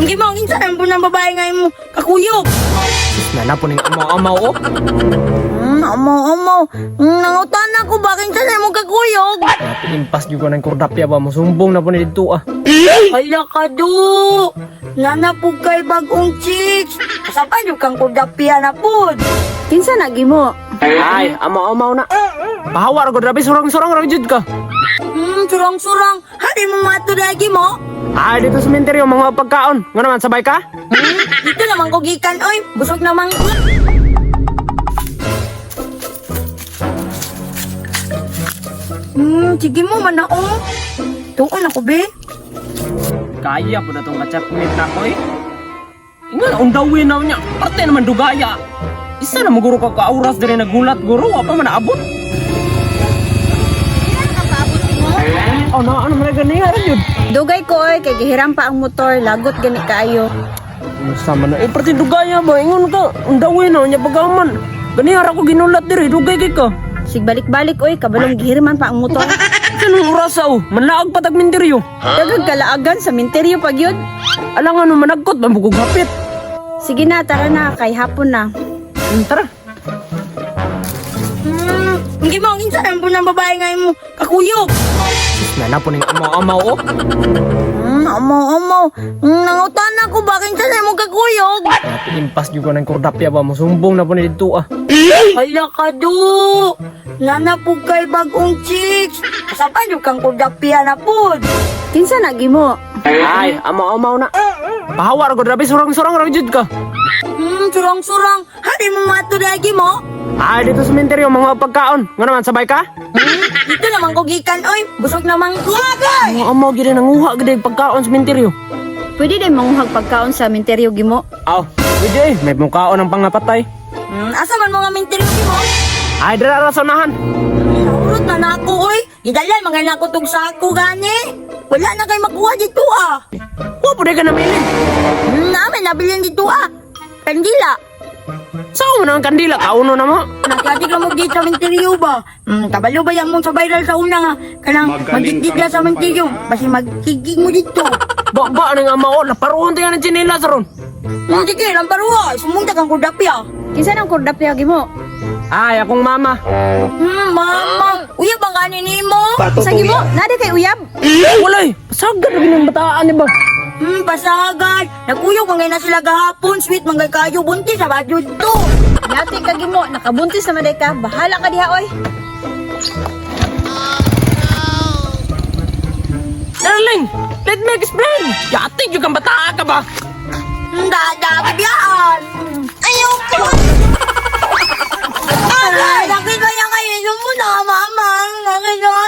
Hindi mo, kinsa po ng babae ngayon mo kakuyog. Nanapo ning amaw-amaw oh. Amaw. Nangutan ako ba kinsa mo kakuyog? Impas juga ng kordapya ba mo sumbong na po ni dito ah. Hala ka do. Nanapog kay bagong chicks. Kasapan yung kang kudapia na pod. Kinsa nagi mo? Ay, amaw-amaw na. Bahawar ko grabe surang-surang ra jud ka. Surang-surang. Hari mo mato lagi mo. Ay, dito sa sementeryo mga pagkaon. Nga naman sabay ka? Dito naman ko gikan oy. Busog naman ko. Sige mo manaong. Tuon ako be. Kaya po na itong kachapmit na ko eh. Ingan, undawin na niya. Parte naman dugaya. Isa na maguro ka kauras din nagulat guro. Apa man naabot? Oh, na ano man ganyan yun? Dugay ko oy kay gihiram pa ang motor, lagot gani kaayo. Sama na. Eh, parte dugaya ba? Ingon ka. Undawin na niya pagaman. Ganyan ako ginulat diri. Dugay kay ka. Sig balik-balik oy kabalong gihirman pa ang motor. Anong oras aw? Manlaag pa tag minteryo. Dagag kalaagan sa minteryo pag yun. Alang ano managkot. Mabugog hapit. Sige na, tara na, kay hapon na. Tara. Hindi mo, kinsa po ng babae ngayon mo kakuyog. Nanapo ning amaw-amaw oh. Amaw. Nangutan ako ba kinsa mo kakuyog. Impas juga ng kordapya ba mo sumbong na po ni dito ah. Hala ka do. Nanapog kay bagong chicks. Kasapan yung kang kudapia na pod. Kinsa nagi mo? Ay, amaw-amaw na. Bahawar ko grabe surang-surang ra jud ka. Surang-surang. Hari mo mato lagi mo. Ay, dito sa sementeryo mga pagkaon. Nga naman sabay ka? Dito naman ko gikan oy. Busog naman ko. Mga amaw gid nanguha gid pagkaon sa sementeryo. Pwede din manguhag pagkaon sa minteryo gimo. Aw, pwede eh. May mukhaon ng pangapatay. Asa man mga minteryo mo? Ay, dara ra sa unahan. Urot na nako oy. Gidalay mga nakutog sa ako gani. Wala na kay makuha dito ah. Wa po ka namili. Namin nabilin dito ah. Kandila. Saan mo na ang kandila? Kauno na mo. Nagkati ka mo dito sa minteryo ba? Kabalo ba yan mo sa viral sa una nga? Kanang magigig ka sa minteryo. Basi magkigig mo dito. Ba nang amaw. Laparuhan tayo ng chinelas ron. Sige, lamparuha. Sumunta kang kudapya. Kinsa nang kordapya gimo? Ay, akong mama. Mama. Uya bang kanin mo? Sa gimo, nade kay uyab. Walay, pasagad na ng bataan ni ba? Pasagad. Naguyog mga na sila gahapon. Sweet mga kayo. Buntis sa badyo to. Yati ka gimo, nakabuntis na maday ka. Bahala ka diha oy. Darling, let me explain. Yati yung kang bataan ka ba? Dada, bibiyaan. Ayoko. Nakita niya kayo mo na, mama. Nakita